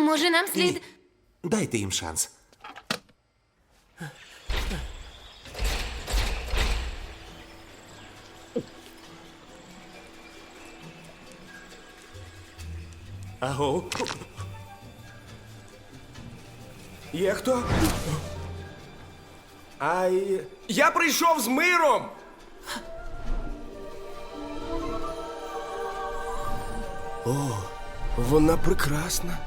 Може, нам слід... Ні. Дайте їм шанс. Аго. Є хто? Я прийшов з миром! О, вона прекрасна.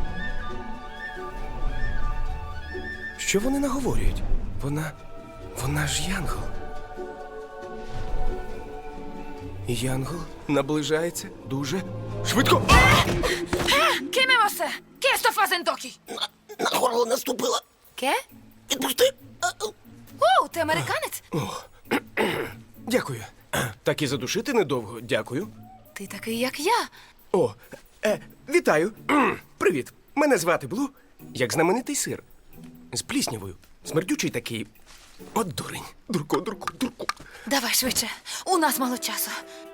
Що вони наговорюють? Вона ж Янгол. І Янгол наближається дуже швидко. ¿Qué me vas a hacer? ¿Qué esto fazendo aquí? На горло наступила. ¿Qué? Відпусти. Ти американець? Дякую. Так і задушити недовго. Дякую. Ти такий, як я. О, вітаю. Привіт. Мене звати Блу, як знаменитий сир. З пліснявою. Смердючий такий. От дурень. Дурко. Давай швидше. У нас мало часу.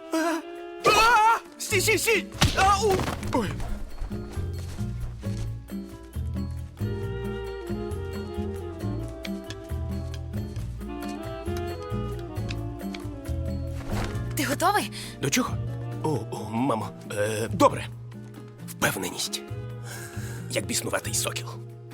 Стій! Ау! Ой. Ти готовий? До чого? О, мамо. Добре. Впевненість. Як біснуватий сокіл.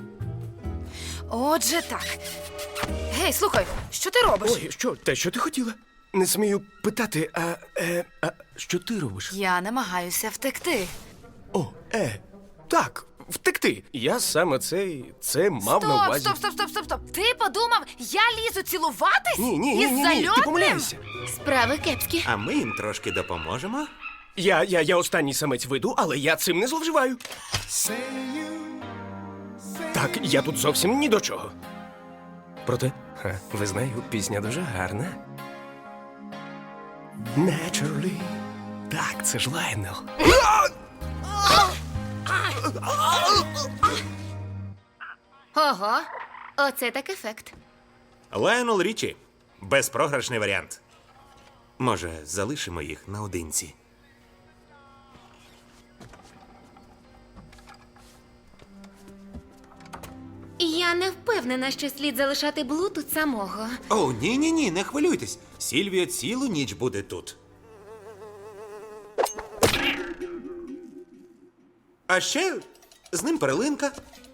Отже, так. Гей, слухай, що ти робиш? Ой, що? Те, що ти хотіла? Не смію питати, а що ти робиш? Я намагаюся втекти. О, так, втекти. Я саме це мав на увазі. Стоп. Ти подумав, я лізу цілуватись? Ні, Із ти зальотним? помиляєшся. Справи кепські. А ми їм трошки допоможемо. Я останній самець виду, але я цим не зловживаю. Так, я тут зовсім ні до чого. Проте, визнаю, пісня дуже гарна. Naturally. Так, це ж Лайонел. Ого, оце так ефект. Лайонел Річі. Безпрограшний варіант. Може, залишимо їх наодинці? Я не впевнена, що слід залишати Блу тут самого. О, ні, не хвилюйтесь. Сільвія цілу ніч буде тут. А ще з ним перлинка.